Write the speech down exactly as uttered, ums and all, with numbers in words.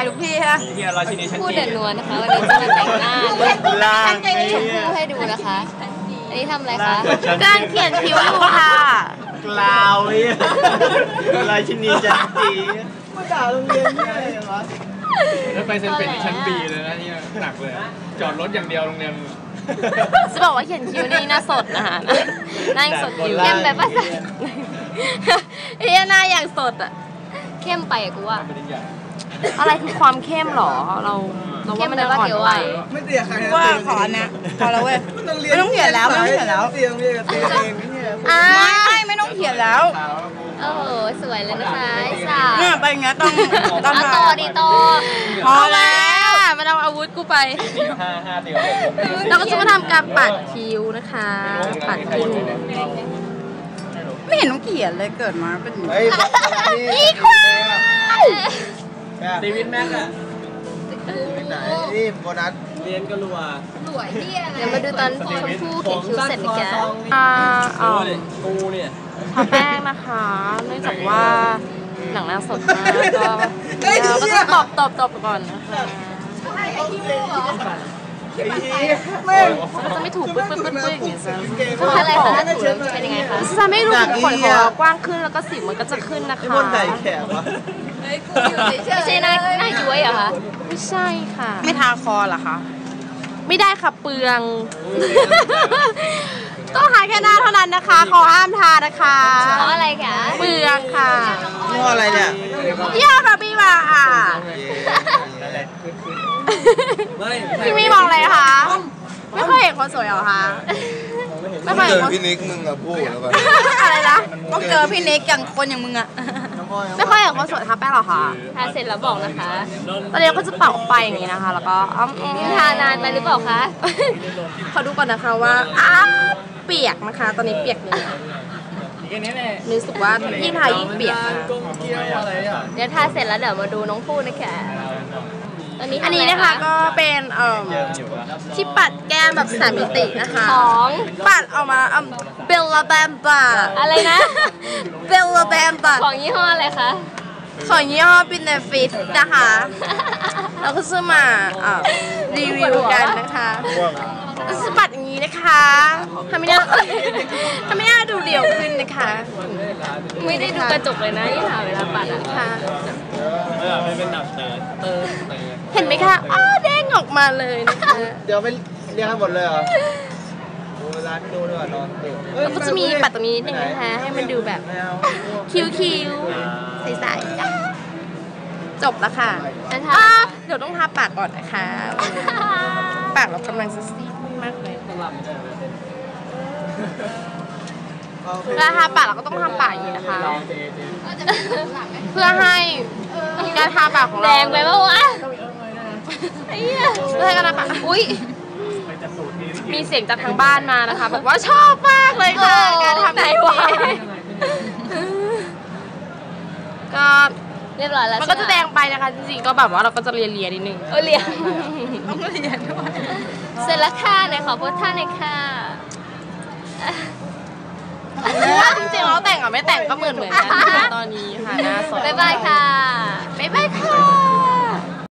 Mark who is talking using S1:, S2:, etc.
S1: ายทุกที่ฮะ
S2: พูดเด่นนวลนะคะวันนี้จะมาแต่งหน้า
S3: ล่าง
S2: ชมพู่ให้ดูนะคะอันนี้ทำอะไรคะ
S1: การเขียนคิ้วอยู่ค่ะ
S3: กล่าวเลยราชินีจันจีมาด่าโรงเรียนนี่อะไรวะ
S4: แล้วไปเซ็นเป็นชั้นบีเลยนะนี่หนักเลยจอดรถอย่างเดียวโรงเรียน
S1: จะบอกว่าเขียนคิ้วนี่หน้าสดนะคะหน้าสดอยู่
S2: เข้มแบบว่า
S1: เฮ้ยหน้าอย่างสดอ่ะ
S2: เข้มไปอะกูว่า
S1: อะไรคือความเข้มหรอเราเราว่ามันจะอ่อนไป
S3: ไม่เตียใคร
S1: ว่าขอนะพอแล้วเว้ยไม่ต้องเขียนแล้วไม่ต้องเขียนแล้ว
S3: เตียงเรียกเตียงเองเนี่ย
S1: ไม่ไม่ต้องเขียนแล้ว
S2: โอ้โหสวยเลยนะคะสา
S1: เนี่ยไปอย่างเงี้ยต้อง
S2: ต้องโตดีโต
S1: พอแล้วมาเอาอาวุธกูไปเราก็จะมาทำการปัดคิ้วนะคะปัดคิ้วไม่เห็นต้องเขียนเลยเกิดมาเป็นอีควาย
S4: ตีวินแม็กอะ
S3: ไหนนี่โบนัส
S4: เรียนก็รัว
S2: สวยที่อะไรเดี๋ยวมาดูตอนชมพู่เขียนคิ้วเสร็จนะแก
S1: อ่าอ๋อ
S4: กูเนี่ย
S1: ทาแป้งนะคะเนื่องจากว่าหนังหน้าสดมากก็เราก็ต้องตบตบตบก่อนนะคะมันจะไม่ถูกปึ๊บปึ๊บปึ๊บปึ๊บอย่างเงี้ย
S2: จะอะไรคะเป็นยังไงคะ
S1: จะไม่รู้ขนคอกว้างขึ้นแล้วก็สิวมันก็จะขึ้นนะคะ
S3: คนไหนแขกวะ
S2: ไม่ใช่หน้าหน้าย้วยเหรอคะ
S1: ไม่ใช่ค่ะไม่ทาคอเหรอคะไม่ได้ค่ะเปลืองต้องทาแค่หน้าเท่านั้นนะคะขอห้ามทานะคะ
S2: เพราะอะไรคะ
S1: เปลืองค่ะ
S3: นี่ว่าอะไรเนี่ย
S1: ยี่ห้อบาร์บี้มาค่ะพี่มีมองอะไรคะไม่เคยเห็นคนสวยเหรอคะ
S3: ไม่เคยเจอพี่นิกมึงอะพูดแล้วกัน
S1: อะไรนะต้องเจอพี่นิกอย่างคนอย่างมึงอะไม่ค่อยเห็นคนสวยทาแป้งหรอคะ
S2: ทาเสร็จแล้วบอกนะคะ
S1: ตอนนี้ก็จะเป่าไปอย่างนี้นะคะแล้วก็
S2: ทานานไปหรือเปล่าคะ
S1: ขอดูก่อนนะคะว่าอ้าเปียกนะคะตอนนี้เปียกเลยรู้สึกว่ายิ่งทายิ่งเปียก
S2: เดี๋ยวทาเสร็จแล้วเดี๋ยวมาดูน้องพูดนะคะ
S1: อันนี้นะคะก็เป็นเอ่อที่ปัดแก้มแบบสามมิตินะคะ
S2: ของ
S1: ปัดออกมาเบลลาแบมบา
S2: อะไรนะ
S1: เบลลาแบมบา
S2: ของยี่ห้ออะไรคะ
S1: ของยี่ห้อบินเนฟิตนะคะเราก็ซื้อมารีวิวกันนะคะสปัดอย่างนี้นะคะทำไม่ได้ทำไม่ได้ดูเดี่ยวขึ้นนะคะ
S2: ไม่ได้ดูกระจกเลยนะยี่ห้อเวลาปัดอะ
S1: ค่ะ
S4: ไม่เป็นหนักเตอเตอ
S1: เห็นไหมคะอ้าเด้งออกมาเลยนะคะ
S3: เดี๋ยวไม่เรียกให้หมดเลยเหรอเวลาที่ดูด้วยนอนตื่น
S1: แล้วก็จะมีปัดตรงนี้นิดนึงนะคะให้มันดูแบบคิ้วๆใสๆจบแล้วค่ะเดี๋ยวต้องทาปากก่อนนะคะปากเรากำลังจะซีดมากเลยเวลาทาปากเราก็ต้องทาปากอย่างนี้นะคะเพื่อให้การทาปากของเรา
S2: แรงไปปะวะ
S1: เพื่อให้การทาปากอุ้ยมีเสียงจากทางบ้านมานะคะบอกว่าชอบมากเลยค่ะการทำไหนวะก็
S2: เรียบร้อยแล้ว
S1: มันก็จะแดงไปนะคะจริงๆก็แบบว่าเราก็จะเลียเลียนิดนึง
S2: เออเลีย
S1: ต้องเลียด้วย
S2: เสร็จแล้วค่ะไหนขอโพสท่าหน่อยค่ะ
S1: จริงๆเราแต่งกับไม่แต่งก็เหมือนเหมือนกันตอนนี้ค่ะหน้าสด
S2: บ๊ายบายค่ะ
S1: บ๊ายบายค่ะ